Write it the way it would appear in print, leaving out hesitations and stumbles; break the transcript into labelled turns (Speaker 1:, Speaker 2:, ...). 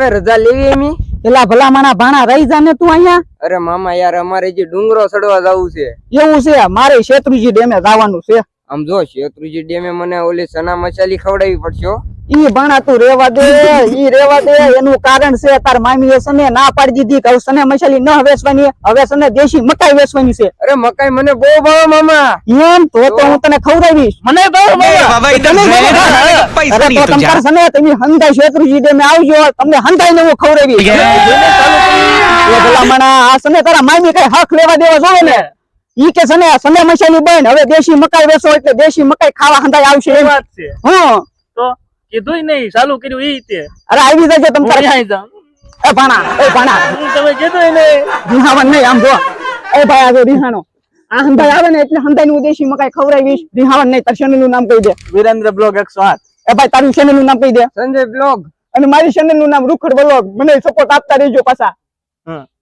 Speaker 1: આવે રજા લેવી એમી?
Speaker 2: એલા ભલા માણા ભાણા રહી જા ને તું અહીંયા.
Speaker 1: અરે મામા યાર અમારે જે ડુંગરો ચડવા જવું છે.
Speaker 2: એવું છે મારે શેત્રુજી ડેમે જવાનું છે.
Speaker 1: આમ જો શેત્રુજી ડેમે મને ઓલી સના મસાલી ખવડાવી પડશે હો.
Speaker 2: ઈ ભાણા તું રેવા દે, ઈ રેવા દે. એનું કારણ છે તાર મામી એ સને ના પાડી દીધી કે સને મસાલી ન વેચવાની, હવે સને દેશી મકાઈ વેચવાની છે.
Speaker 1: અરે મકાઈ મને બહુ ભાવે મામા.
Speaker 2: એમ તો હું તને ખવડાવીશ.
Speaker 3: મને ભાવે મામા.
Speaker 2: અરે તો તમતાર સને તમે હંધાઈ શેત્રુજી ડેમે આવજો, તમને હંધાઈ ને હું ખવડાવીશ. એ ભલા માણા આ સને તારા મામી કઈ હક લેવા દેવા જોવે ને. ઈ કે સને સને મસાલી બન હવે દેશી મકાઈ વેચો એટલે દેશી મકાઈ ખાવા હંધાઈ આવશે.
Speaker 3: એ વાત છે.
Speaker 2: હા
Speaker 3: તો કીધું નહીં, ચાલુ કર્યું ઈ તે.
Speaker 2: અરે આવી જજો તમ તારે.
Speaker 3: અહીં જાવ.
Speaker 2: એ ભાણા
Speaker 3: તમે કીધું ને
Speaker 2: રીહાવન નહીં. આમ જો એ ભાઈ આ જો રીહાણો આ હંધાઈ આવે ને એટલે હંધાઈ નું દેશી મકાઈ ખવડાવીશ. રીહાવન નહીં. તાર ચેનલ નું નામ કહી દે.
Speaker 3: વિરેન્દ્ર બ્લોગ 108.
Speaker 2: એ ભાઈ તારું ચેનલ નું નામ કહી દે.
Speaker 1: સંજય બ્લોગ.
Speaker 2: અને મારી ચેનલ નું નામ રૂખડ બ્લોગ. મને સપોર્ટ આપતા રહેજો પાછા.
Speaker 3: હા.